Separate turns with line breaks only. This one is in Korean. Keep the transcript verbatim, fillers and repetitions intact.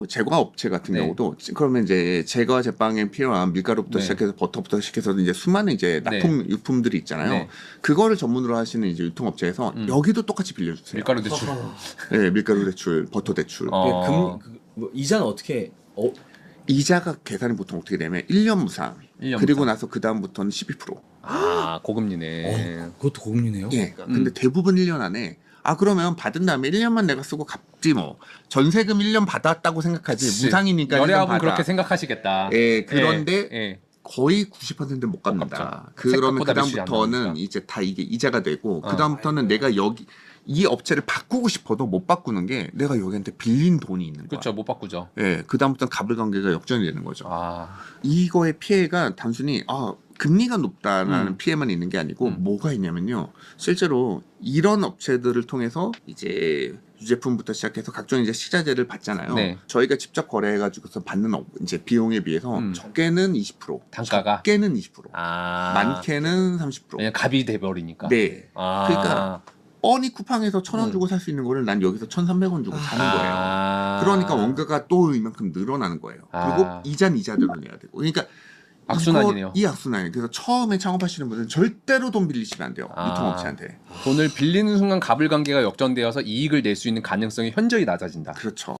제과 업체 같은
네.
경우도 그러면 이제 제과 제빵에 필요한 밀가루부터
네.
시작해서 버터부터 시작해서 이제 수많은 이제 납품
네.
유품들이 있잖아요.
네.
그거를 전문으로 하시는 이제 유통업체에서
음.
여기도 똑같이 빌려주세요.
밀가루 대출.
네, 밀가루 대출, 버터 대출.
어.
금, 그, 뭐, 이자는 어떻게? 어,
이자가 계산이 보통 어떻게 되면 일 년 무상.
일 년
그리고
무상.
나서 그 다음부터는 십이 퍼센트.
아 고금리네.
어, 그것도 고금리네요.
예.
음.
근데 대부분 일 년 안에 아 그러면 받은 다음에 일 년만 내가 쓰고 갚지 뭐. 전세금 일 년 받았다고 생각하지.
그치.
무상이니까 일 년
연애하고
받아.
그렇게 생각하시겠다.
예, 그런데
예, 예.
거의 구십 퍼센트는 못 갚는다. 그러면 그
생각보다 매출이 안
다음부터는
나오니까.
이제 다 이게 이자가 되고
어.
그 다음부터는 내가 여기 이 업체를 바꾸고 싶어도 못 바꾸는 게 내가 여기한테 빌린 돈이 있는 거야.
그렇죠, 못 바꾸죠.
예, 그 다음부터는 갑을 관계가 역전이 되는 거죠.
아,
이거의 피해가 단순히 아 금리가 높다라는
음.
피해만 있는 게 아니고
음.
뭐가 있냐면요. 실제로 이런 업체들을 통해서 이제 유제품부터 시작해서 각종 이제 식자재를 받잖아요.
네.
저희가 직접 거래해가지고서 받는 업- 이제 비용에 비해서
음.
적게는 이십 퍼센트,
단가가?
적게는 이십 퍼센트,
아,
많게는 삼십 퍼센트.
그냥 갑이 돼버리니까.
네.
아,
그러니까 뻔히 쿠팡에서 천 원
음.
주고 살 수 있는 거를 난 여기서 천삼백 원 주고 사는 거예요.
아,
그러니까 원가가 또 이만큼 늘어나는 거예요.
아.
그리고 이자는 이자대로 내야 되고. 그러니까
악순환이네요.
이거- 이 악순환이. 그래서 처음에 창업하시는 분들은 절대로 돈 빌리시면 안 돼요.
아.
유통업체한테.
돈을 빌리는 순간 갑을 관계가 역전되어서 이익을 낼 수 있는 가능성이 현저히 낮아진다.
그렇죠.